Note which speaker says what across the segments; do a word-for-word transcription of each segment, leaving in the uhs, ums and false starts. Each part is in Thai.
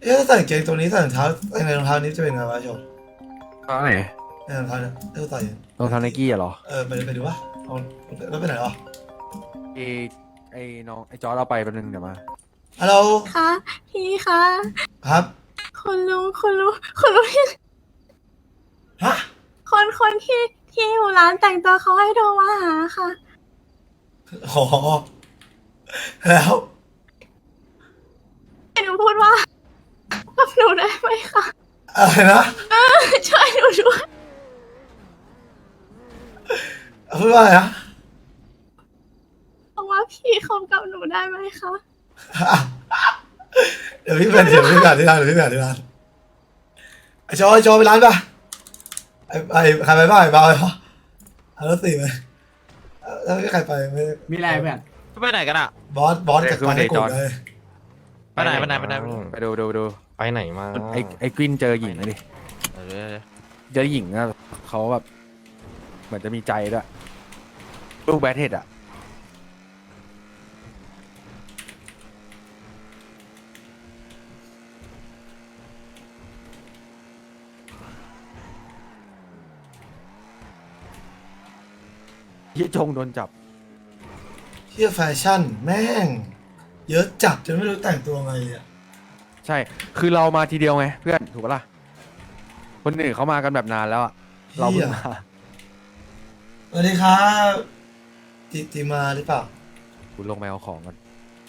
Speaker 1: อ๊ะถ้าใส่กางเกงตัวนี้ใส่รองเท้าในรองเท้านี้จะเป็นไงวะชม
Speaker 2: ตอนไหน
Speaker 1: ในรองเท้าเนี่ยถ้าใส่
Speaker 2: รองเท้าไนกี้อะเหรอ
Speaker 1: เออไปไปดูวะเอาแล้วไปไหนวะ
Speaker 2: ไอไอ้น้องไอจอร์ดเอาไปแป๊บนึงเดี๋ยวมา
Speaker 1: ฮัลโหล
Speaker 3: คะพี่คะ
Speaker 1: ครับ
Speaker 3: คุณลุงคุณลุงคุณลุงที่
Speaker 1: ฮะ
Speaker 3: คนคนที่ที่อยู่ร้านแต่งตัวเขาให้โทรมาหาค่ะ
Speaker 1: อ๋อแล้ว
Speaker 3: ให้หนูพูดว่ากับหนูได้ไหมคะ
Speaker 1: อะไรนะ
Speaker 3: ช่วยหนูด้วย
Speaker 1: พูดว่าอะไรนะ
Speaker 3: เพราะว่าพี่คบกับหนูได้ไหมคะ
Speaker 1: เดี๋ยวพี่เป็นเดี๋ยวพี่แบบที่ร้านเดี๋ยวพี่แบบที่ร้านไอโจไอโจไปร้านป่ะไอไอใครไปบ้างไอเบาไปปะเอารถสี่ไปแล้วไม่ใครไปไม่
Speaker 4: มีอะไรเพื่อน
Speaker 5: ไปไหนกันอ่ะ
Speaker 1: บอสบอสจัดการให้กลุ่มเลย
Speaker 5: ไปไหนไปไหนไปไหน
Speaker 2: ไปดูดูดู
Speaker 6: ไปไหนมา
Speaker 2: ไอไอกวินเจอหญิงดิ
Speaker 5: เออ
Speaker 2: เจอหญิงอะเขาแบบเหมือนจะมีใจด้วยลูกแบทเทดอะยี่จงโดนจับ
Speaker 1: เที่ยแฟชั่นแม่ง เยอะจัดจนไม่รู้แต่งตัวไงเลยอะ
Speaker 2: ใช่ คือเรามาทีเดียวไงเพื่อนถูกปะล่ะคนอื่นเขามากันแบบนานแล้วอะเราเพิ่งมา
Speaker 1: สวัสดีครับจิจิมาหรือเปล่า
Speaker 2: คุณลงไปเอาของกัน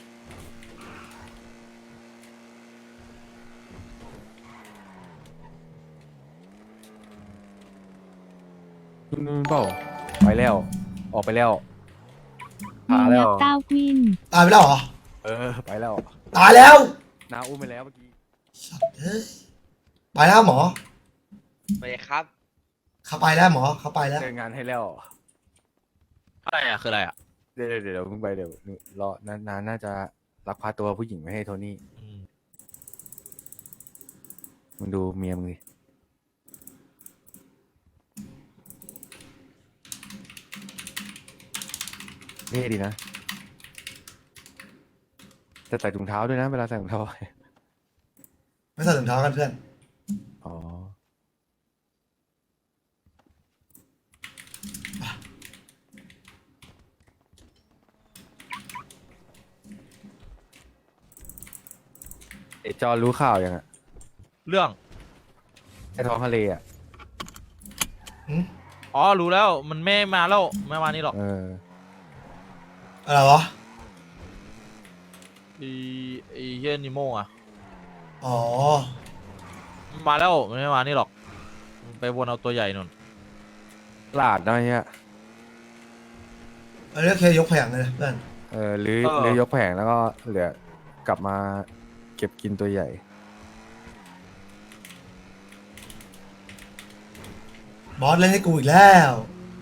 Speaker 2: นู่นเปล่าไปแล้ว ออกไปแล้วพาแล้ว
Speaker 7: ก้าววิน
Speaker 1: ตายไปแล้วเหรอ
Speaker 2: เออ ไปแล้ว
Speaker 1: ตายแล้ว
Speaker 2: นาอุ้มไปแล้วเมื่อกี้
Speaker 1: สัตว์เฮ้ยไปแล้วหมอ
Speaker 5: ไปครับ
Speaker 1: เขาไปแล้วหมอเขาไปแล้ว
Speaker 2: เจองานให้แล้ว
Speaker 5: อะไรอ่ะคืออะไรอ่ะ
Speaker 2: เดี๋ยวเดี๋ยวเดี๋ยวเพิ่งไปเดี๋ยวรอนานนานน่าจะลักพาตัวผู้หญิงไม่ให้โทนี่มึงดูเมียมึงดิเท่ดีนะแต่ใส่ถุงเท้าด้วยนะเวลาใส่ถุงเท้า
Speaker 1: ไม่ใส่ถุงเท้ากันเพื่อน
Speaker 2: อ๋อไอจอรู้ข่าวยังอะ
Speaker 5: เรื่อง
Speaker 2: ไอท้องทะเลอะ
Speaker 1: หืม
Speaker 5: อ๋อรู้แล้วมันไม่มาแล้วไม่มานี่หรอก
Speaker 2: เออ
Speaker 1: อะไรวะ
Speaker 5: ไอีไอเฮียนิโมอ่ะ
Speaker 1: อ๋อ
Speaker 5: มาแล้วมันไม่มานี่หรอกมันไปวนเอาตัวใหญ่นุ่น
Speaker 2: หลาดนะเนี่ย
Speaker 1: อันนี้แค่ยกแผงเลยนะเพื่อน
Speaker 2: เออหรือหรือยกแผงแล้วก็เหลือกลับมาเก็บกินตัวใหญ่
Speaker 1: บอสเล่นให้กูอีกแล้ว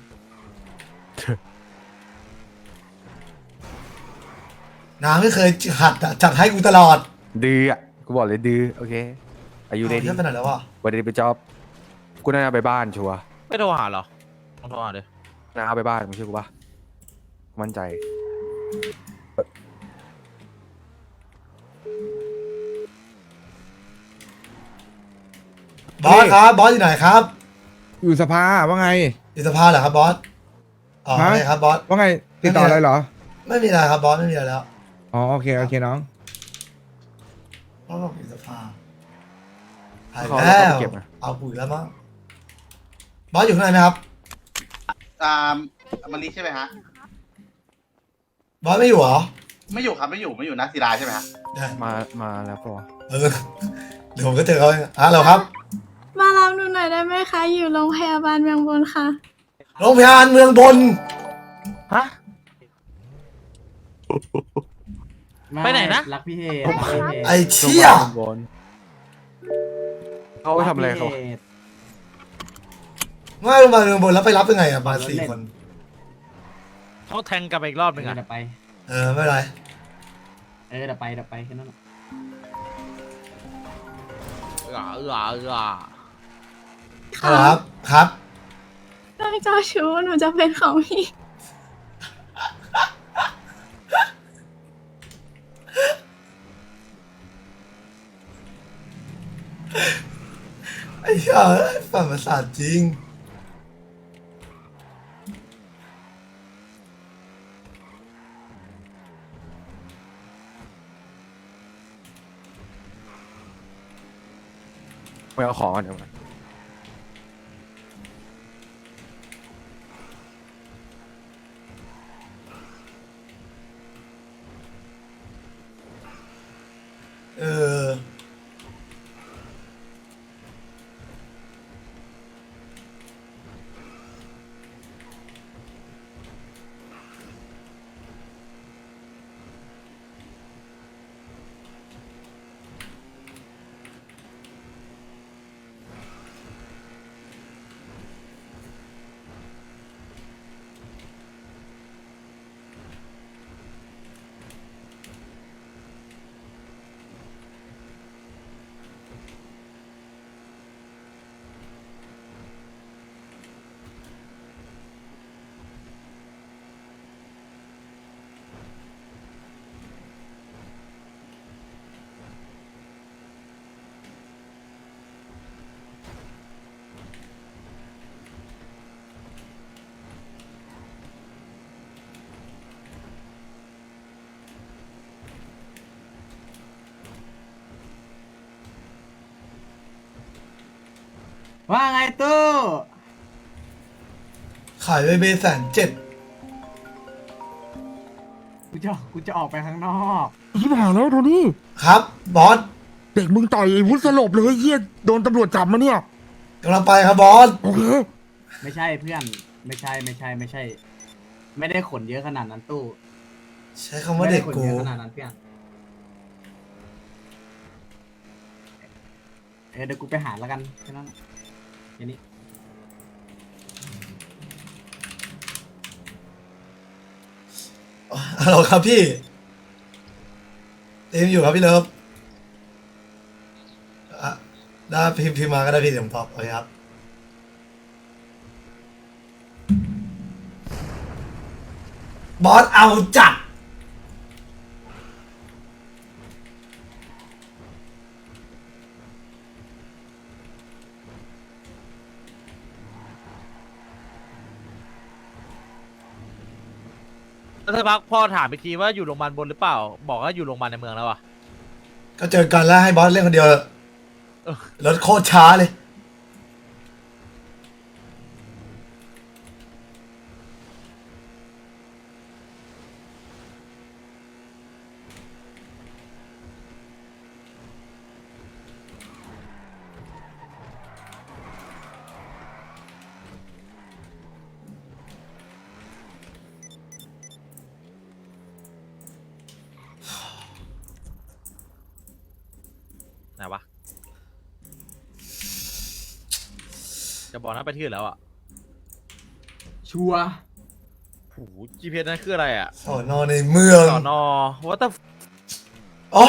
Speaker 1: น้าไม่เคยหัดอะจัดให้กูตลอด
Speaker 2: ดื้ออ่ะกูบอกเลยดื้อโอเคอายุ
Speaker 1: เอา
Speaker 2: ได้ดี
Speaker 1: เยอะไปไหนแล้ววะ
Speaker 2: วันนี้ไปจอบกูน่าจะไปบ้านชัวร์
Speaker 5: ไม่โทรหาเหรอต้องโทรหาดิ
Speaker 2: น่าเอาไปบ้านมึงเชื่อกูปะมั่นใจ
Speaker 1: บอสครับบอสอยู่ไหนครับ
Speaker 8: อยู่สภาว่าไง
Speaker 1: อยู่สภาเหรอครับบอสอ๋อ
Speaker 8: ฮะ
Speaker 1: โอเคครับบอส
Speaker 8: ว่าไงติดต่ออะไรเหรอ
Speaker 1: ไม่มีอะไรครับบอสไม่มีอะไรแล้ว
Speaker 8: อ๋อโอเคโอเคน้อง
Speaker 1: บอสบอกอยู่สภาหาย
Speaker 2: เขา
Speaker 1: แล้
Speaker 2: เอา
Speaker 1: ว
Speaker 2: ไปเก็บนะ
Speaker 1: เอาปุ๋ยแล้วมั้งบอสอยู่ข้างในไหมครับ
Speaker 9: อ่ามันนี้ใช่ไหมฮะ
Speaker 1: บอสไม่อยู่เหรอ
Speaker 9: ไม่อยู่ครับไม่อยู่ไม่อยู่นักศิลาใช่ไหมฮะ
Speaker 1: ได้
Speaker 2: มามาแล้วปะวะ
Speaker 1: เออเดี๋ยวผมก็เจอเขาเองอ่ะเราครับ
Speaker 3: มารับหนูหน่อยได้ไหมคะ อยู่โรงพยาบาลเมืองบนค่ะ
Speaker 1: โรงพยาบาลเมืองบน
Speaker 5: ฮะ ไปไหนนะ
Speaker 4: รักพี่เฮ
Speaker 1: ไอ้เชี่ย
Speaker 2: บนเขาไปทำอะไรเขา
Speaker 1: ไม่โรงพยาบาลเมืองบนแล้วไปรับยังไงอ่ะมาสี่คน
Speaker 5: เขาแทงกลับไปอีกรอบหนึงอ่ะ
Speaker 4: เดี๋ยวไป
Speaker 1: เออไม่เป็นไร
Speaker 4: เออเดี๋ยวไปเดี๋ยวไปแค่นั้นแหละ
Speaker 5: เออเออเออ
Speaker 1: ครับครับ
Speaker 3: เรื่องเจ้าชู้หนูจะเป็นของพี่
Speaker 1: บไอ้เหี้ยฝันประสาทจริง
Speaker 2: ไปเอาของกันเดี๋ยวมัน
Speaker 1: เออ
Speaker 4: ว่าไงตู้
Speaker 1: ขายไปเบแสนเจ็ด
Speaker 4: กูจะกูจะออกไปข้างนอก
Speaker 8: ชิบหายแล้วโทนี่
Speaker 1: ครับบอส
Speaker 8: เด็กมึงต่อยไอ้วุฒิสลบเลยเฮียโดนตำรวจจับมาเนี่ย
Speaker 1: กำลังไปครับบอส
Speaker 8: โอเค
Speaker 4: ไม่ใช่เพื่อนไม่ใช่ไม่ใช่ไม่ใช่ ไม่ได้ขนเยอะขนาดนั้นตู้
Speaker 1: ใช้คำว่าเด็ก
Speaker 4: ไม่ไขน
Speaker 1: กู
Speaker 4: เยอะขนาดนั้นเพื่อนเออเดี๋ยวกูไปหาแล้วกันแค่นั้นแค่นี้
Speaker 1: ฮัลโหลครับพี่เต็มอยู่ครับพี่เลิฟอ่ะได้พิมพ์พิมพ์มาก็ได้พี่เดี๋ยวผมตอบโอเคครับบอสเอาจัด
Speaker 5: แล้วสักพักพ่อถามอีกทีว่าอยู่โรงพยาบาลบนหรือเปล่า บอกว่าอยู่โรงพยาบาลในเมืองแล้วอะ
Speaker 1: ก็เจอกันแล้วให้บอสเล่นคนเดียวเถอะรถโคตรช้าเลย
Speaker 5: ไหนวะ จะบอกนะไปที่อื่นแล้วอะ
Speaker 4: ชัวร์
Speaker 5: โอ้โห จี พี เอส นั่นคืออะไรอะ
Speaker 1: สอนอในเมือง
Speaker 5: สอนอว่าแต่
Speaker 1: อ๋อ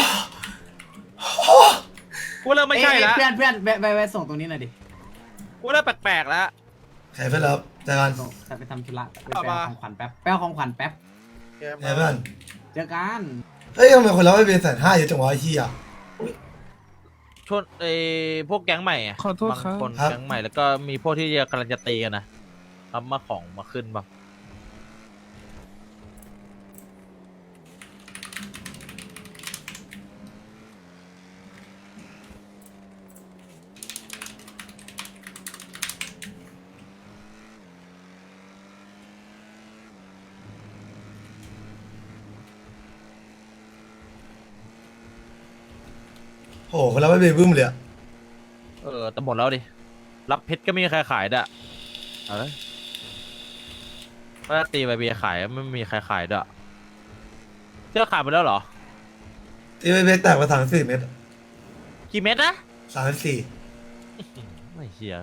Speaker 5: กูเริ่มไม่ใช่แล้ว
Speaker 4: เอ้ยเพื่อนเพื่อนไปไปไปส่งตรงนี้หน่อยดิ
Speaker 5: กูเริ่มแปลกๆแล้ว
Speaker 1: ใครเพื่อนรับเจอกัน
Speaker 4: ส่งไปทำธุระไป
Speaker 5: เอา
Speaker 4: ไป
Speaker 5: มา
Speaker 4: เอาของขวัญแป๊บไปเอาของขวัญแป๊บ
Speaker 1: ใครเพื่อน
Speaker 4: เจอกัน
Speaker 1: เฮ้ยทำไมคนรับไม่เป็นแสนห้าเยอะจังวะไอ้เหี้ย
Speaker 5: ชนไอ้พวกแก๊งใหม่อะ
Speaker 8: ขอโทษครับ
Speaker 5: บางคน
Speaker 1: ครับ
Speaker 5: แก๊งใหม่แล้วก็มีพวกที่กำลังจะตีกันนะรับมาของมาขึ้นบ้าง
Speaker 1: โอ้โหคนรับไม่เป็นบึ้มเลยอะ
Speaker 5: เออแต่หมดแล้วดิ รับเพชรก็ไม่มีใครขายด้วยเอาเลยว่าตีไปเบียร์ขายไม่มีใครขายด้วยเจ้าขายไปแล้วเหรอ
Speaker 1: ตีไปเบแตกมาสามสี่เมตร
Speaker 5: กี่เม็ดนะ
Speaker 1: สามสี่
Speaker 5: ไม่เชีย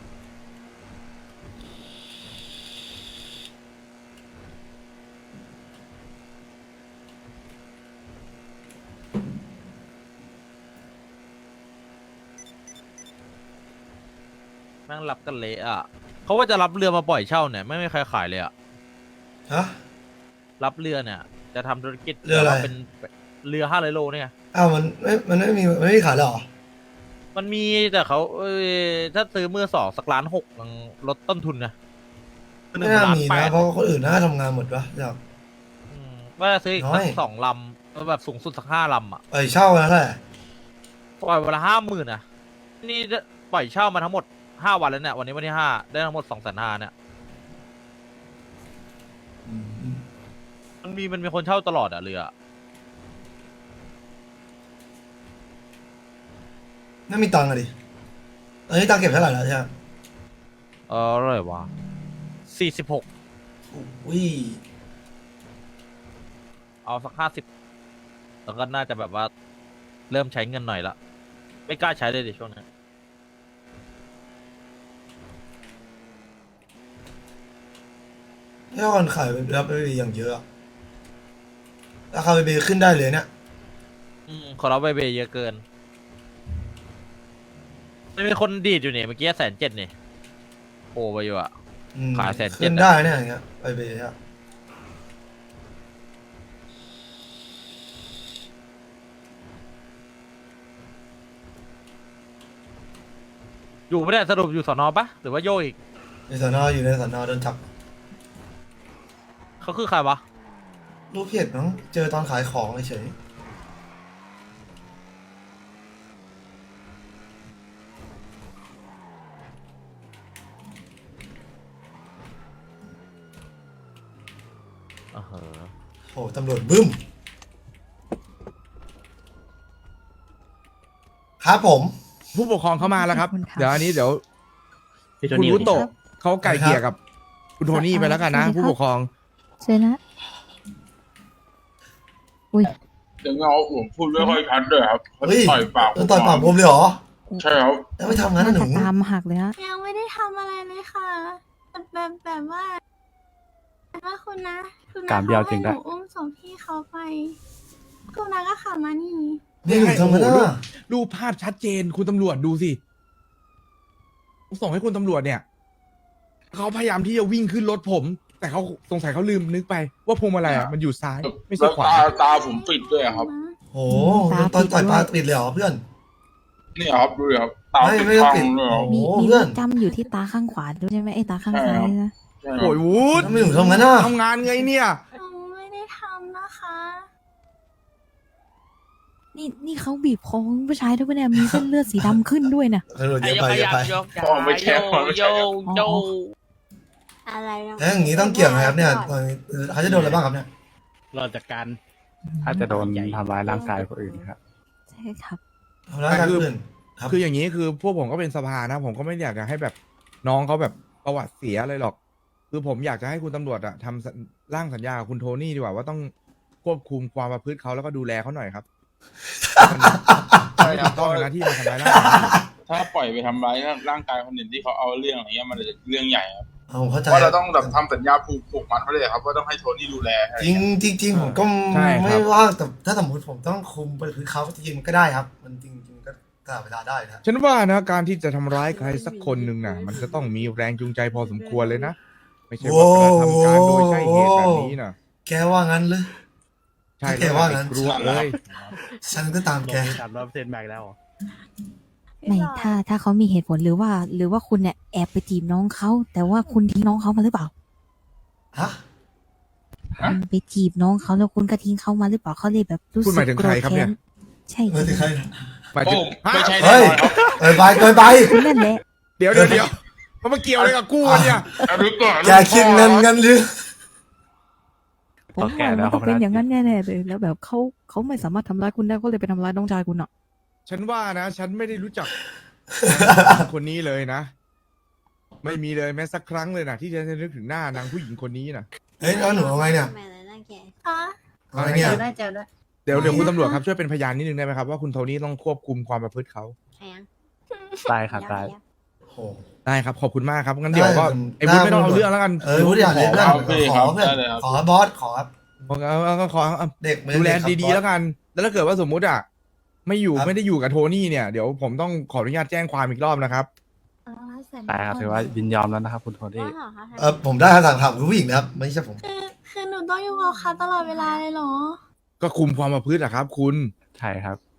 Speaker 5: แม่งรับกันเละอ่ะเขาว่าจะรับเรือมาปล่อยเช่าเนี่ยไม่มีใครขายเลยอ่ะ
Speaker 1: ฮะ
Speaker 5: รับเรือเนี่ย จะทำธุรกิจ
Speaker 1: เรืออะไร
Speaker 5: เป็นเรือห้าร้อยโลเนี่ย
Speaker 1: อ้าวมันไม่มันไม่มีมันไม่มีขายเลยเหรอ
Speaker 5: มันมีแต่เขาเอ้ยถ้าซื้อมือสองสักล้านหกมันลดต้นทุนนะ
Speaker 1: ไม่น่ามี
Speaker 5: แป
Speaker 1: นะ
Speaker 5: ด
Speaker 1: เพราะคนอื่นน่าจะทำงานหมดปะอยาก
Speaker 5: อืมว่าจะซื้ออีก
Speaker 1: น้
Speaker 5: สั
Speaker 1: อย
Speaker 5: กสองลำแล้วแบบสูงสุดสักห้าลำอ่ะ
Speaker 1: ไปเช่าแล้วแหละ
Speaker 5: ปล่อยวันละห้าหมื่นอ่ะนี่ปล่อยเช่ามาทั้งหมดห้าวันแล้วเนี่ยวันนี้วันที่ห้าได้ทั้งหมดสองแสนห้าเนี่ย
Speaker 1: อืม
Speaker 5: มันมีมันมีคนเช่าตลอดอ่ะเรือ
Speaker 1: ไม่มีตังค์อะดิตอนนี้ตังค์เก็บเท่าไหร่แล้วใช่ไหม
Speaker 5: เอออะไรวะสี่สิบหก
Speaker 1: อุ้ย
Speaker 5: เอาสักห้าสิบแล้วก็น่าจะแบบว่าเริ่มใช้เงินหน่อยละไม่กล้าใช้เลยดิช่วงนี้
Speaker 1: ถ้าคนขายรับไปอย่างเยอะอะราคาไปเบขึ้นได้เลยเนี่ย
Speaker 5: อืมขอรับใบเบย์เยอะเกินไม่มีคนดีดอยู่เนี่ยเมื่อกี้แสนเจ็ดเนี่ยโอ้ไปอยู่อะ
Speaker 1: อืม
Speaker 5: ขายแสนเจ็ด
Speaker 1: ขึ้นได้เนี่ยอย่างเงี้ยไปเบอะ
Speaker 5: อยู่ไม่ได้สรุปอยู่สอนอปะหรือว่าโยกอีก
Speaker 1: ในสอนออยู่ในสอนอโดนจับ
Speaker 5: เขาคือใครวะ
Speaker 1: รูปเพจน้องเจอตอนขายของเฉย
Speaker 5: อ่าฮะ
Speaker 1: โอ้ตำรวจบึ้ม ครับผม
Speaker 8: ผู้ปกครองเข้ามาแล้วครับ
Speaker 3: ขอบคุณค่ะ
Speaker 8: เดี๋ยวอันนี้เดี๋ยวคุณรุโตะเขาไก่เกลี่ยกับคุณโทนี่ไปแล้วกันนะ
Speaker 3: สวัสดีครับ
Speaker 8: ผู้ปกครอง
Speaker 3: เจอนะอุ้ย
Speaker 6: เดี๋ยวเงาผมพูดไม่ค่อยชัดเลยครับเขา
Speaker 1: เฮ้ย
Speaker 6: ต่อยปาก
Speaker 1: โดนต่อยปากผมเลยเหรอ
Speaker 6: ใช่ครับ
Speaker 1: แล้วไม่ทำงั้นนะหนู
Speaker 3: ตามหักเลยฮะ
Speaker 7: ยังไม่ได้ทำอะไรเลยค่ะแต่แบบแบบว่าแบบว่าคุณนะคุณนะ
Speaker 2: การเบี้ยวจริง
Speaker 7: เขา
Speaker 2: ด้
Speaker 7: ให้
Speaker 2: วย
Speaker 7: หนูอุ้มศพพี่เขาไป คุณนะก็ขับมานี่
Speaker 1: นี่หนูทำงั้น
Speaker 8: โอ้โห
Speaker 1: นะ
Speaker 8: รูปภาพชัดเจนคุณตำรวจดูสิส่งให้คุณตำรวจเนี่ยเขาพยายามที่จะวิ่งขึ้นรถผม แต่เขาสงสัยเขาลืมนึกไป ว่าพวงมาลัยอ่ะมันอยู่ซ้าย ไม่ใช่
Speaker 6: แล้ว
Speaker 8: ขวา
Speaker 6: ตาตาผมปิดด้วยครับ
Speaker 1: โอ้โหโดนตอนต่อยปากติดเลยเหรอเพื่อน
Speaker 6: นี่ครับดูดิครับ ตา
Speaker 1: ไม่
Speaker 6: ปิด
Speaker 1: ไม่ต้อง
Speaker 6: ข้าง
Speaker 1: ปิด
Speaker 6: เลยครับ
Speaker 3: มี
Speaker 1: โอ้
Speaker 3: มี
Speaker 1: เพื่อน
Speaker 3: จำอยู่ที่ตาข้างขวาด้วยใช่ไหมไอ้ตาข้างซ้ายนะ
Speaker 6: ใช่ครับ
Speaker 8: โอ้ยวูด
Speaker 1: ทำไมหนูทำงั้นน่ะ
Speaker 8: ทำงานไงเนี่ย
Speaker 7: หนูไม่ได้ทำนะคะ
Speaker 3: นี่นี่เขาบีบคอผู้ชายด้วยปะเนี่ยมีเส้นเลือดสีดำขึ้นด้วยนะ
Speaker 1: ตำรวจเยอะไปเยอะไป
Speaker 6: พ่อไม่แค่พ่อไม่ใช่ครับ
Speaker 3: โย
Speaker 7: อะไรนะ
Speaker 1: แล้วอย่างนี้ต้องเกี่ยวไหมครับเนี่ยตอนนี้เขาจะโดนอะไรบ้างครับเนี่ย
Speaker 4: เราจัดการ
Speaker 2: ถ้าจะโดนทำร้ายร่างกายคนอื่นครับ
Speaker 3: ใช่ครับ
Speaker 1: ทำร้ายการอื่นครับ
Speaker 8: คืออย่างนี้คือพวกผมก็เป็นสภานะ ผมก็ไม่อยากจะให้แบบน้องเขาแบบประวัติเสียอะไรหรอก คือผมอยากจะให้คุณตำรวจอะทำสัญร่างสัญญากับคุณโทนี่ดีกว่าว่าต้องควบคุมความประพฤติเขาแล้วก็ดูแลเขาหน่อยครับมัน
Speaker 6: ใช่
Speaker 8: ไม่
Speaker 6: ครั
Speaker 8: ถู
Speaker 6: บ
Speaker 8: กต้องนะที่มาทำร้ายร่างกาย
Speaker 6: ถ้าปล่อยไปทำร้ายร่างกายคนอื่นที่เขาเอาเรื่องอะไรเงี้ยมันจะเรื่องใหญ่ครับ
Speaker 1: เอาผมเข้าใจ
Speaker 6: เพราะเราต้องแบบทำสัญญาผูกผูกมัดไว้เลยครับว่าต้องให้โทนี่ดูแลอะไร
Speaker 1: จริงจริงจริงผมก็
Speaker 8: ใช่ครับ
Speaker 1: ไม่ว่างแต่ถ้าสมมติผมต้องคุมไปคือเขาจริงๆมันก็ได้ครับ มันจริงจริงๆก็ตลอดเวลาได้นะ
Speaker 8: ฉันว่านะการที่จะทำร้ายใครสักคนหนึ่งน่ะ มันจะต้องมีแรงจูงใจพอสมควรเลยนะ ไม่ใช่ว่ากระทำการโดยใช่เหตุแบบนี้นะ
Speaker 1: แกว่างั้นเลย
Speaker 8: ใช่
Speaker 1: แกว่างั้น
Speaker 8: กลัวเลย
Speaker 1: ฉันก็ตามแก
Speaker 4: สามร้อยเปอร์เซ็นต์แบกแล้ว
Speaker 3: ไม่ถ้าถ้าเขามีเหตุผลหรือว่า หรือว่าคุณเนี่ยแอบไปจีบน้องเขาแต่ว่าคุณทิ้งน้องเขามาหรือเปล่า
Speaker 1: ฮะ
Speaker 3: คุณไปจีบน้องเขาแล้วคุณก็ทิ้งเขามาหรือเปล่าเขาเลยแบบรู้สึ
Speaker 8: คุณ
Speaker 3: ก
Speaker 8: หมายถึงใครครับเนี่ย
Speaker 3: โกธแใช่
Speaker 1: ไม่ถึงใครนะ
Speaker 8: หมาย
Speaker 6: โอ้
Speaker 8: ถึงฮะ
Speaker 6: ไม่ใช่แน่
Speaker 1: เฮ้ย
Speaker 6: นอนครับ
Speaker 1: เกินไปเกินไป
Speaker 3: คุณนั่นแหละ
Speaker 8: เดี๋ยวเดี๋ยวเดี๋ยวมันมาเกี่ยวอะไรกับกูวะเนี่ย
Speaker 6: อันนี้ก่อน
Speaker 1: แกคิดเงินกันหรือ
Speaker 3: ผม
Speaker 2: เขาแก่
Speaker 3: ว่า
Speaker 2: แล้
Speaker 3: มั
Speaker 2: วน
Speaker 3: ต้องเป็น
Speaker 2: เขาน่า
Speaker 3: อย่างนั้นแน่ๆเลยแล้วแบบเขาเขาไม่สามารถทำร้ายคุณได้ก็เลยไปทำร้ายน้องชายคุณอ่ะ
Speaker 8: ฉันว่านะ ฉันไม่ได้รู้จัก คนนี้เลยนะ ไม่มีเลยแม้สักครั้งเลยนะที่จะนึกถึงหน้านางผู้หญิงคนนี้นะ
Speaker 1: เฮ้ยแล้วหนูเอาไงเนี่ย
Speaker 7: คะ
Speaker 1: เอาไงเนี่ย
Speaker 7: ได้เจอด้วย
Speaker 8: เดี๋ยวเดี๋ยวคุณตำรวจครับช่วยเป็นพยานนิดนึงได้ไหมครับว่าคุณโทนี่ต้องควบคุมความประพฤติเขา
Speaker 2: ได้ครับได้
Speaker 1: โอ้โห
Speaker 8: ได้ครับขอบคุณมากครับงั้นเดี๋ยวก็
Speaker 1: ได้
Speaker 8: ไอ้วุฒิไม่ต้อง
Speaker 1: ได้
Speaker 8: เอาเรื่องแล้วกัน
Speaker 1: เออรู้อย่างเลยเพื่อน
Speaker 6: เอาพี่
Speaker 1: ข
Speaker 6: ครั
Speaker 1: อบ เพื่อน
Speaker 6: ได้เลยครับ
Speaker 1: ขอบอสขอครับ
Speaker 8: เอาเอาเอาเอาขอเอา
Speaker 1: เด็กไม่
Speaker 8: ดูแล
Speaker 1: เกครับ
Speaker 8: ดี
Speaker 1: บอ
Speaker 8: ๆ
Speaker 1: ส
Speaker 8: แล้วกัน แล้วถ้าเกิดว่าสมมุติอ่ะไม่อยู่
Speaker 1: ครับ
Speaker 8: ไม่ได้อยู่กับโทนี่เนี่ยเดี๋ยวผมต้องขออนุญาตแจ้งความอีกรอบนะครับ
Speaker 2: ได้ครับถือว่ายินยอมแล้วนะครับคุณโทนี่
Speaker 1: เออผมได้คำสั่งถามคุณผู้หญิงนะครับไม่ใช่ผม
Speaker 7: คือคือหนูต้องอยู่กับเขาตลอดเวลาเลยเหรอ
Speaker 8: ก็คุมความประพฤติอะครับ คุณ
Speaker 2: ใช่ครับ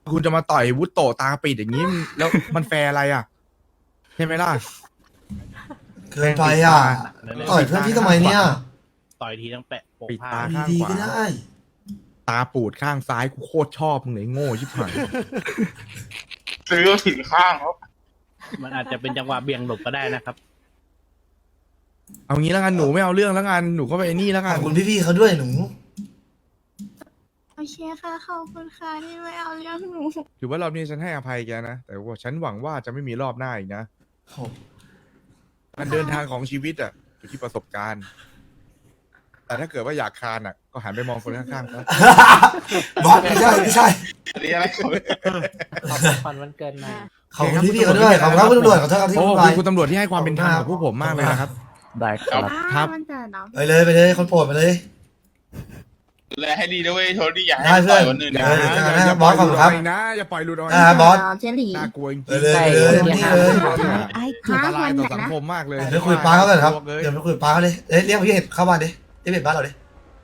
Speaker 8: คุณจะมาต่อยวุฒโตตาปิดอย่างนี้มันแล้วมันแฟร์อะไรอ่ะใช่ไหมล่ะ
Speaker 1: เกินไปอ่ะต่อยเพื่อนพี่ทำไมเนี่ย
Speaker 5: ต่อยทีต้องแปะโปะ
Speaker 8: ปิด
Speaker 5: ผ้า
Speaker 8: ตาข้าง
Speaker 1: ดี
Speaker 8: ข
Speaker 1: ๆก็
Speaker 8: วา
Speaker 1: ได้
Speaker 8: ตาปูดข้างซ้ายกูโคตรชอบมึงเลยโง่ชิบหาย
Speaker 6: ซื้อก็ผิดข้างเขา
Speaker 5: มันอาจจะเป็นจังหวะเบี่ยงหลบก็ได้นะครับ
Speaker 8: เอางี้แล้วกันหนูไม่เอาเรื่องแล้วกันหนูก็ไปไอ้นี่แล้ว
Speaker 1: ข
Speaker 8: กั
Speaker 1: อน บคุณพี่ๆเขาด้วยหนู
Speaker 7: โอเคค่ะขอบคุณค่ะที่ไม่เอาเรื่องหนู
Speaker 8: ถือว่ารอบนี้ฉันให้อภัยแกนะแต่ว่าฉันหวังว่าจะไม่มีรอบหน้าอีกนะ
Speaker 1: โอ้
Speaker 8: การเดินทางของชีวิตอ่ะอยู่ที่ประสบการณ์ แต่ถ้าเกิดว่าอยากคานอ่ะ ก็หันไปมองคนข้างๆครับ
Speaker 1: บอสไม่ใช่ไม่ใช่
Speaker 6: อันนี้อะไรเขา
Speaker 5: ฟันวันเกินมา
Speaker 1: ขอบคุณพี่ๆเขาด้วยขอบคุณครับคุณตำรวจขอโทษครับที่
Speaker 8: โอ้
Speaker 1: พูด
Speaker 8: ข
Speaker 1: ไป
Speaker 8: อบคุณคุณตำรวจที่ให้ความเป็นธรรมกับพวกผมมากเลยนะครับ
Speaker 2: ได้ครับ
Speaker 8: ครับ
Speaker 7: มันเกิดเนาะ
Speaker 1: ไปเลยไปเลยคนโปรดไปเลย
Speaker 6: แลให้ดีด้วยโทษดีอย่าให้
Speaker 1: ได้เพื่
Speaker 6: ต่
Speaker 1: อน
Speaker 6: อยคนอื่น
Speaker 8: อย่า
Speaker 6: นะ
Speaker 8: อย่า
Speaker 1: เออ
Speaker 8: อย่า
Speaker 1: บอสขอบคุณครับ
Speaker 8: ปล่ยหลุดกนะอย่าปล่อยหลุดออก
Speaker 1: อ่า
Speaker 8: นะ
Speaker 1: บอส
Speaker 7: เจหลี
Speaker 8: น่ากลัวจริง
Speaker 1: ไปเลยไปเลยนี่เลย
Speaker 3: ไอ้
Speaker 8: ๆอันตรายต่อสังคมมากเลย
Speaker 1: เดี๋ยวไปคุยกับป้าเขากันครับ
Speaker 8: เลย
Speaker 1: เดี๋ยวไปคุยกับป้าเขาเลยเอ้ยเรียกพี่เห็ดเข้าบ้านดิเรียกพี่เห็ดบ้านเราดิ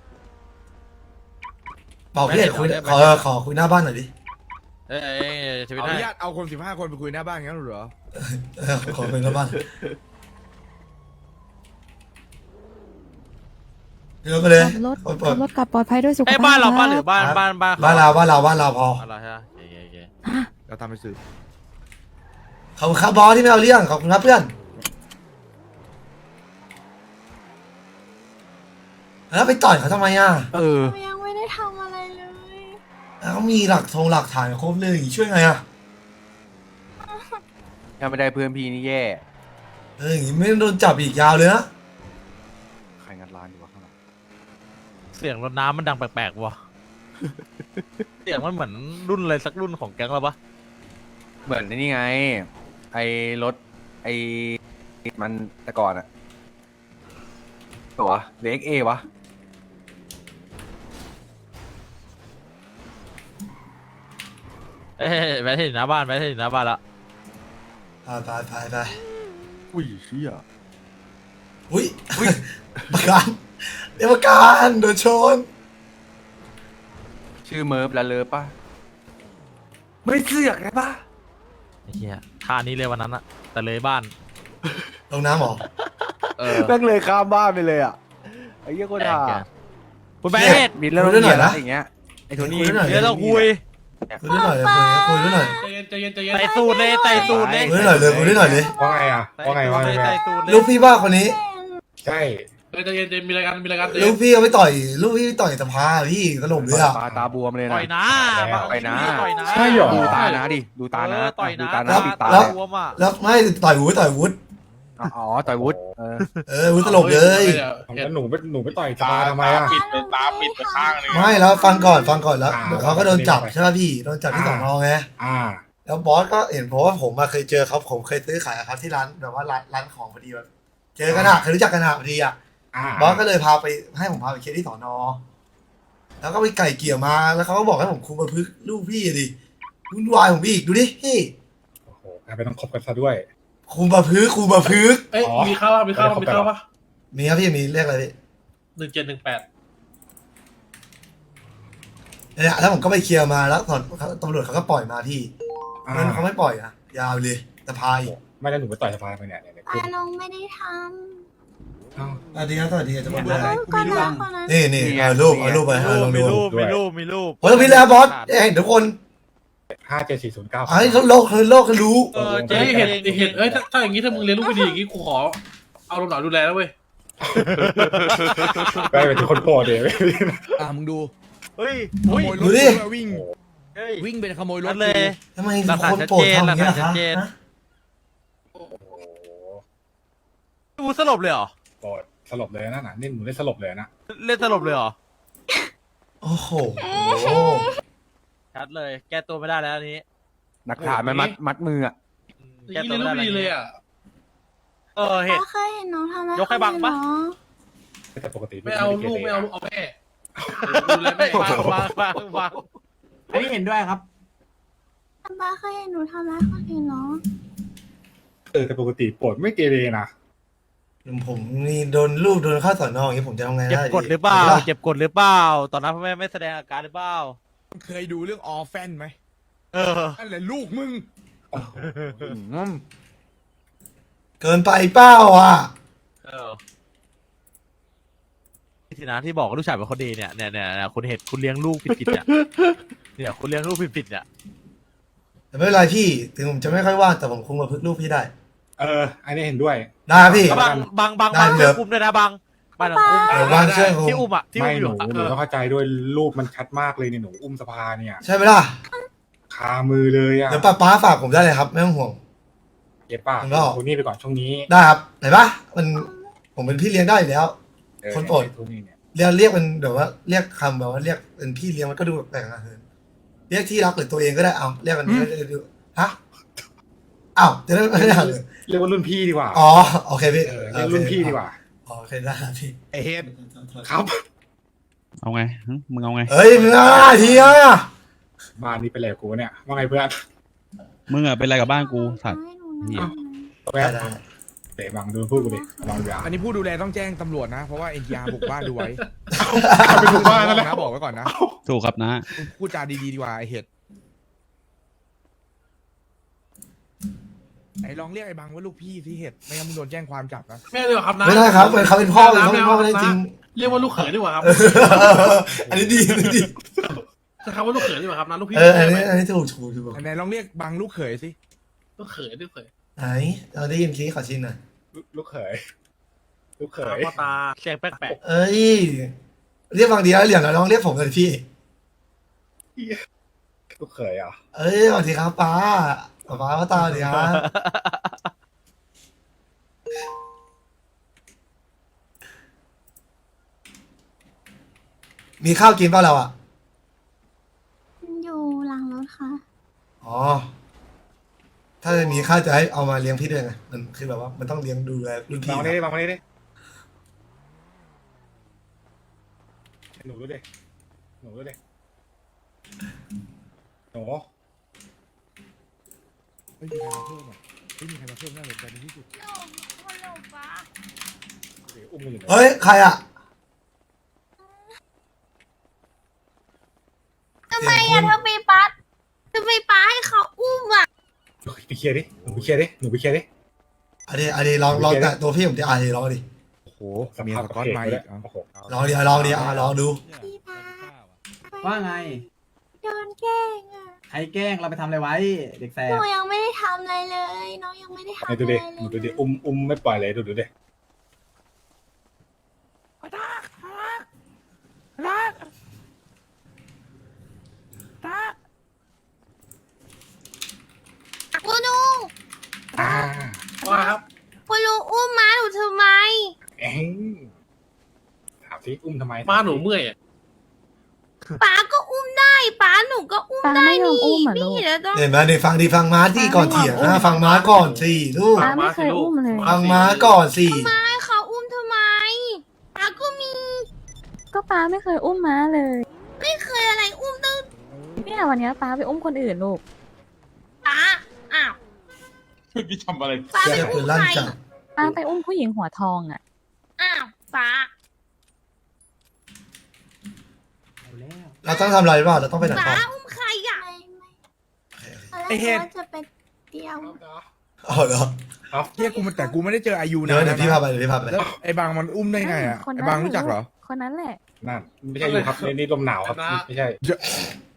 Speaker 1: บอกพี่เห็ดคุยขอขอคุยหน้าบ้านหน่อยดิ
Speaker 5: เอ้ยชีวิต
Speaker 8: เอาอ
Speaker 5: ได้
Speaker 8: นุญาตเอาคนสิบห้าคนไปคุยหน้าบ้านงั้นเหรอ
Speaker 1: เออขอคุยหน้าบ้านเดี๋ยวไปเลย
Speaker 3: ขับรถ
Speaker 1: คนโปร
Speaker 3: ขั
Speaker 1: ด
Speaker 3: บรถกลับปลอดภัยด้วยสุข
Speaker 5: ไอ้ย
Speaker 3: ภาพ
Speaker 5: บ้านเรา
Speaker 3: ค
Speaker 5: บ้าน
Speaker 3: บ
Speaker 5: หรือบ้านบ้านบ้าน
Speaker 1: บ้านเราบ้านเราบ้านเราพอ
Speaker 5: อะไรใช่ไหมโอเคโอเค
Speaker 8: เราทำไปสืบ
Speaker 1: ขอบคุณครับบอสที่ไม่เอาเรื่องขอบคุณครับเพื่อนแล้วไปต่อยเขาทำไมอ่ะ
Speaker 2: เออ
Speaker 7: หนูยังไม่ได้ทำอะไรเลย
Speaker 1: แล้วเขามีหลักทงหลักฐานครบเลยช่วยไงอ่ะ
Speaker 2: ถ้าไม่ได้เพื่อนพี่นี่แย่
Speaker 1: เอออย่างงี้ไม่โดนจับอีกยาวเลยนะ
Speaker 2: ใครงัดร้านอยู่วะข้างหลัง
Speaker 5: เสียงรถน้ำมันดังแปลกๆว่ะ เสียงมันเหมือนรุ่นอะไรสักรุ่นของแก๊งเราปะ
Speaker 2: เหมือนนี่ไง ไอ้รถ ไอ้มันแต่ก่อนอะตัวเล็กเอวะ
Speaker 5: เอ้ยแวะที่หน้าบ้านแวะที่หน้าบ้านละ
Speaker 1: ไปไปไปไป
Speaker 2: อุ้ยเชี่ย
Speaker 1: อุ้ยประกันเดี๋ยวประกันโดนชน
Speaker 2: ชื่อเมิร์ฟแล้วเลิฟป่ะ ไม่เสือกไงป่ะ
Speaker 5: ไอ้เหี้ยท่านี้เลยวันนั้นอะแต่เลยบ้าน
Speaker 1: ลงน้ำเหรอ
Speaker 5: เออ
Speaker 2: แม่งเลยข้ามบ้านไปเลยอ่ะ ไอ้เหี้ยโคตรห่า
Speaker 5: แกงคุณแม่
Speaker 1: เชี่ย
Speaker 2: มีเรื่อง
Speaker 1: คุยด้วยหน่อยนะ
Speaker 2: อย่างเงี้ย ไอ้โทนี่
Speaker 1: คุยด้วยหน่อย
Speaker 5: เดี๋ยวเราคุย
Speaker 1: คุยด้วยหน่อยคุยด้วยหน่อย
Speaker 5: ใส่สูตรเลยใส่สูตรเลย
Speaker 1: คุยด้วยหน่อยเลยคุยด้วยหน่อยเลย
Speaker 8: ว่าไงอ่ะว่าไงว่าไง
Speaker 5: ใส่สูตรเลย
Speaker 1: ลูกพี่บ้าคนนี้
Speaker 8: ใช่
Speaker 1: ลูกพี่เอาไปต่อยลูกพี่ไปต่อยสภาพี่ตลบเลยอ่ะ
Speaker 2: ตาตาบวมเลย
Speaker 5: ต่
Speaker 2: นะ
Speaker 5: อยนะ
Speaker 2: ต่อยนะ
Speaker 5: ต่อยนะ
Speaker 8: ใช่หรอ
Speaker 2: ดูตานะดิ ดูตานะ
Speaker 5: เออต่อยนะ
Speaker 2: ดูตานะ
Speaker 1: แล้ว
Speaker 2: ปิดตา
Speaker 1: แล้ว
Speaker 5: บวมอ่ะ
Speaker 1: แล้วไม่ต่อยวุฒิต่อยวุฒิ
Speaker 2: อ๋อ ต่อยวุฒเออ
Speaker 1: เออวุฒิตลบเลย
Speaker 8: แล้วหนูไปหนูไปต่อย
Speaker 6: ตา
Speaker 8: ตาทำไมอ่ะ
Speaker 6: ปิดไปตาปิดไปข้างหนึง
Speaker 1: ไม่แล้วฟังก่อนฟังก่อนแล้ว
Speaker 8: อ่า
Speaker 1: เดี๋ยวเขาก็โดนจับใช่ไหมพี่โดนจับที่สอนอไง
Speaker 8: อ่า
Speaker 1: แล้วบอสก็เห็นเพราะว่าผมมาเคยเจอเขาผมเคยซื้อขายกับเขาที่ร้านแบบว่าร้านร้านของพอดีแบบเจอกันอะเคยรู้จักกันอะพอดีอะ
Speaker 8: อ่า
Speaker 1: บอสก็เลยพาไปให้ผมพาไปเคสที่สอนอแล้วก็ไปไก่เกลี่ยมาแล้วเขาก็บอกให้ผมคุมประพฤกษ์ลูกพี่ดิวุ่นวายผมอีกดูดิพี่
Speaker 8: โอ้โหกลายเป็นต้องคบกันซะด้วย
Speaker 1: คุมประพฤกษ์คุมประพฤกษ์
Speaker 10: เอ้ยมีข้าวป่ะมีข้าวป่ะมีข้าวป่ะ
Speaker 1: มีครับพี่มีเรียกอะไรพี่
Speaker 10: หนึ่งเจ็ดหนึ่งแปด
Speaker 1: เนี่ยแล้วผมก็ไปเคลียร์มาแล้วตอนตำรวจเขาก็ปล่อยมาพี่
Speaker 8: อ่า
Speaker 1: งั้นเขาไม่ปล่อยอะยาวเลยสภาอีก
Speaker 8: ไม่แล้วหนูไปต่อยสภาทำไมเนี่ยเนี่ยเนี่ย
Speaker 7: ปาลงไม่ได้ท
Speaker 8: อ้าว
Speaker 1: สวัสดีครับสวัสดีจะมาดู
Speaker 7: ำ
Speaker 1: อะไร
Speaker 7: ก็นะคนนั้น
Speaker 1: นี่นี่เอารูปเอารูปไปเอาลอง
Speaker 5: มี
Speaker 1: ดู
Speaker 5: รูปมีรูปมีรูป
Speaker 1: โอ้ยพี่แล้วบอสเห็นทุกคน
Speaker 8: ห้าเจ็ดสี่ศูนย์เก้า
Speaker 1: ไอ้โลกคือโลกคือรู้
Speaker 5: เออเจ๊
Speaker 10: เฮ้ย
Speaker 5: เห็
Speaker 10: เห็
Speaker 5: น
Speaker 10: ดเห็ดเอ้ยถ้าถ้าอย่างงี้ถ้ามึงเรียนรู้ไม่ดีอย่างงี้กูขอเอาลงหน่อยดูแลแล้วเว้ย
Speaker 8: ไปเป็นคนโปรดเดี๋ยวอ่ามึงดู
Speaker 5: เฮ้ย
Speaker 8: ข
Speaker 5: อุ้ย
Speaker 8: โมยร
Speaker 1: ดู
Speaker 8: ถ
Speaker 1: ดิ
Speaker 8: กูวิ่ง
Speaker 5: เฮ้ย
Speaker 8: วิ่งเป็นขโมยร
Speaker 5: นั่
Speaker 8: ถ
Speaker 5: นเลย
Speaker 1: ทำไม
Speaker 5: หลักฐาน
Speaker 1: คนโปรดทำอย่างนี้ย
Speaker 5: ชัด
Speaker 1: คะ
Speaker 5: เจน
Speaker 1: ฮะ
Speaker 8: โอ้โห
Speaker 5: ดูสลบเลยเหรอ
Speaker 8: โปรดสลบเลยนะน่ะนี่หนูได้สลบเลยนะ
Speaker 5: เล่นสลบเลยเหรอ
Speaker 1: โอ้โห
Speaker 5: ชัดเลย แก้ตัวไม่ได้แล้วอันนี้
Speaker 2: หลักฐานมันมัดมัดมืออ่ะ
Speaker 10: อย่างงี้เรียนรู้ไม่ดีเลยอ่ะ
Speaker 5: เออเห็น
Speaker 7: ป้าเคยเห็นน้องทำอะไร
Speaker 5: ยกให้บังปะ
Speaker 8: แต่ปกติ
Speaker 10: ไม่เอาลูกไม่เอาลูกเอาแม่ดูแลแม่
Speaker 5: วางวางวางวาง
Speaker 4: อันนี้เห็นด้วยครับ
Speaker 7: ป้าเคยเห็นหนูทำอะไรคนอื่นเนาะ
Speaker 8: เออแต่ปกติโปรดไม่เกเรนะ
Speaker 1: ผมนี่โดนลูกโดนเข้าสอนออย่างนี้ผมจะทำไง
Speaker 5: เจ็บ
Speaker 1: ได้
Speaker 5: กดหรือเปล่า เจ็บกดหรือเปล่า ตอนนั้นพ่อแม่ไม่แสดงอาการหรือเปล่า
Speaker 8: เคยดูเรื่องออฟแฟนไหม
Speaker 5: เออ
Speaker 8: นั่นแหละลูกมึง
Speaker 1: เกินไปเป้าอ่ะ
Speaker 5: เออทีนะที่บอกว่าลูกชายเป็นคนดีเนี่ยเนี่ยเนี่ยเนี่ยคุณเห็นคุณเลี้ยงลูกผิดๆเนี่ยเนี่ยคุณเลี้ยงลูกผิดๆเนี่ย
Speaker 1: แต่ไม่เป็นไรพี่ถึงผมจะไม่ค่อยว่างแต่ผมคงมาพึ่งลูกพี่ได้
Speaker 11: เออ อันนี้เห็นด้วย
Speaker 1: ได้พี่
Speaker 5: บางบางบาง
Speaker 1: ได้
Speaker 5: บาง
Speaker 1: เดี๋ยว
Speaker 5: อุ้มด้วยนะบางบางอุ้ม
Speaker 1: เดี๋ยวบางเชื่อผม
Speaker 5: ที่อุ้มอ่ะที่
Speaker 11: ไม่
Speaker 5: อุ้มอ
Speaker 11: หนู
Speaker 5: ยู่อะ
Speaker 11: หนูต้องเข้าใจด้วยรูปมันชัดมากเลยเนี่ยหนูอุ้มสภาเนี่ย
Speaker 1: ใช่ไหมล่ะ
Speaker 11: คามือเลยอ่ะ
Speaker 1: เดี๋ยวป้าป้าฝากผมได้เลยครับไม่ต้องห่วง
Speaker 11: เก็บป่ะ
Speaker 1: ผมก็
Speaker 11: โทนี่ไปก่อนช่วงนี้
Speaker 1: ได้ครับไหนปะมันผมเป็นพี่เลี้ยงได้อยู่แล้ว
Speaker 11: เออ
Speaker 1: คนโปรด
Speaker 11: โทนี่เนี่ย
Speaker 1: เรียกเรียกเป็นแบบว่าเรียกคำแบบว่าเรียกเป็นพี่เลี้ยงมันก็ดูแปลกๆนะเรียกที่รักหรือตัวเองก็ได้เอาเรียกกันนี้จะดูฮะอ้าวจะได้ไม่ได้เลย
Speaker 11: เรียกว่ารุ่นพี่ดีกว่า
Speaker 1: อ๋อโอเคพี่
Speaker 11: เออเรียกรุ่นพี่ดีกว่า
Speaker 1: อ๋อโอเคได้ครับพี่
Speaker 8: ไอเฮด
Speaker 11: ครับ
Speaker 12: เอาไงหึมึงเอาไง
Speaker 1: เฮ้ยมึงอ่ะทีอ่ะ
Speaker 11: บ้านนี้เป็นไรกับกูเนี่ยว่าไงเพื่อน
Speaker 12: มึงอะเป็นไรกับบ้านกูสัตว์
Speaker 7: ให้หนู
Speaker 12: เหี้ย
Speaker 7: นะ
Speaker 11: แวะเตะบังดูพูดกูดิบังดูอ่ะ
Speaker 8: อันนี้ผู้ดูแลต้องแจ้งตำรวจนะ เพราะว่าเอ็นยาบุกบ้านดูไว้
Speaker 11: ไปดูบ้านนั่นแหละ
Speaker 8: นะบอกไว้ก่อนนะ
Speaker 12: ถูกครับนะ
Speaker 8: พูดจาดีๆดีกว่าไอเฮดไหนลองเรียกไอ้บังว่าลูกพี่สิเฮดไม่งั้นมึงโดนแจ้งความจับนะ
Speaker 10: ไม่เลยครับนะ
Speaker 1: ไม่ได้ครับเขาเป็นพ่อเขาเป็นพ่อไม่ได้จริง
Speaker 10: เรียกว่าลูกเขยดีกว่าครับ
Speaker 1: อันนี้ดีอันนี้ดี
Speaker 10: ใช่ครับว่าลูกเขยดีกว่าครับนะลูกพี่
Speaker 1: เอออันนี้อันนี้ถูกถูกถูก
Speaker 8: ไหนลองเรียกบังลูกเขยสิ
Speaker 10: ลูกเขยลูกเขย
Speaker 1: ไหนเราได้ยินคีขอชินหน่อย
Speaker 11: ลูกเขยลูกเข
Speaker 10: ตาย พ่อตาเสียงแปลก
Speaker 1: เอ้ยเรียกบางทีแล้วเหลี่ยมแล้วลองเรียกผมเลยพี่
Speaker 11: ลูกเขยอ่ะ
Speaker 1: เอ้ยสวัสดีครับป้าป้าป้าพ่อตาสวัสดีครับมีข้าวกินเปล่าเราอ่ะ
Speaker 7: อยู่หลังรถค่ะ
Speaker 1: อ๋อ ถ้าจะมีข้าวจะให้เอามาเลี้ยงพี่ด้วยไง มันคือแบบว่ามันต้องเลี้ยงดูแลรุ่น
Speaker 11: บั
Speaker 1: พี่
Speaker 11: งมานี่ดิ
Speaker 1: นะ
Speaker 11: บังมานี่ดิหนูดูดิหนูดูดิหนู
Speaker 8: ไม่มีใครมาเพิ่มอ่ะไม่มีใครมาเพิ่มน่าสนใจในที่สุด
Speaker 11: เดี๋ยวอุ้มมันอยู่ไหน
Speaker 1: เฮ้ย ใครอ่ะ
Speaker 7: ทำไมอะทำไมป้าทำไมป้าให้เขาอุ้มอะ
Speaker 11: ไปเคลียร์ดิหนูไปเคลียร์ดิหนูไปเคลียร์ดิ
Speaker 1: อันนี้อันนี้ลองลองแต่ตัวพี่ผมจะอ่านลองดิ
Speaker 8: โอ้โหเมียสกอตมาอีกอ่ะ
Speaker 11: โอ้โห
Speaker 1: ลองดิลองดิอ่ะลองดู
Speaker 7: พี่ป้า
Speaker 4: ว่าไง
Speaker 7: โดนแกล้งอะ
Speaker 4: ใครแกล้งเราไปทำอะไรไว้ เด็กแส
Speaker 7: หนู
Speaker 4: บ
Speaker 7: ยังไม่ได้ทำอะไรเลย น้องยังไม่ได้ทำ
Speaker 11: ไอ้
Speaker 7: อะไร
Speaker 11: ดู
Speaker 7: เล
Speaker 11: ดิ
Speaker 7: ย
Speaker 11: หนูดูดิอุ้มอุ้มไม่ปล่อยเลยดูดูดิ
Speaker 7: คุณลุง
Speaker 11: อ่า
Speaker 10: ๆว่าครับ
Speaker 7: คุณลุงอุ้มม้าหนูทำไม
Speaker 11: เอ็งถามสิอุ้มทำไม
Speaker 10: มาหนูเมื่อยอะ
Speaker 7: ป้าก็อุ้มได้ป้าหนูก็อุ้ม
Speaker 3: ป้า
Speaker 7: ได้
Speaker 3: ไม่ยอม
Speaker 7: นี่
Speaker 3: อุ้มเหรอลู
Speaker 7: พี่
Speaker 3: ก
Speaker 7: เดี๋ยวต้อง
Speaker 1: เห็นไหมนี่ฟังดีฟังม้าที่ก่อนเถียงนะฟังม้าก่อนสิลูก
Speaker 3: ป้าไม่เคยอุ้มเลย
Speaker 1: ฟังม้าก่อนสิ
Speaker 7: ให้เขาอุ้มทำไมป้าก็มี
Speaker 3: ก็ป้าไม่เคยอุ้มม้าเลย
Speaker 7: ไม่เคยอะไรอุ้มตั้ง
Speaker 3: เนี่ยวันเนี้ยป้าไปอุ้มคนอื่นลูก
Speaker 7: ป้าอ้าว
Speaker 6: พี่ทำอะไร
Speaker 7: ป้า
Speaker 1: เสี
Speaker 7: ไป
Speaker 1: ยปื
Speaker 7: อุ้ม
Speaker 1: นลั่น
Speaker 7: ใคร
Speaker 1: จัง
Speaker 3: ป้าไปอุ้มผู้หญิงหัวทองอ่ะ
Speaker 7: อ้าวป้า
Speaker 4: เอาแล้ว
Speaker 1: เราต้องทำอะไรเปล่าเราต้องไปไหน
Speaker 7: ป้า
Speaker 1: ต่อ
Speaker 7: อุ้มใครอ่ะ
Speaker 8: ไอ้เฮ็ด
Speaker 7: ว่าจะไปเที่ยว
Speaker 1: อ๋อเหรอ
Speaker 8: เฮียกูมันแต่กูไม่ได้เจออายุ
Speaker 1: เดี๋ย
Speaker 8: นะ
Speaker 1: วเดี๋ยวพี่พาไปเดี๋ยวพี่พาไป
Speaker 8: แล้วไอ้บังมันอุ้มได้ไงอ่ะ
Speaker 3: คนนั้น
Speaker 8: ไอ้บังรู้จักเหรอ
Speaker 3: คนนั้นแหละ
Speaker 11: นั่นไม่ใช่อยู่ครับนี่นี่ลมหนาวครับไม่ใช่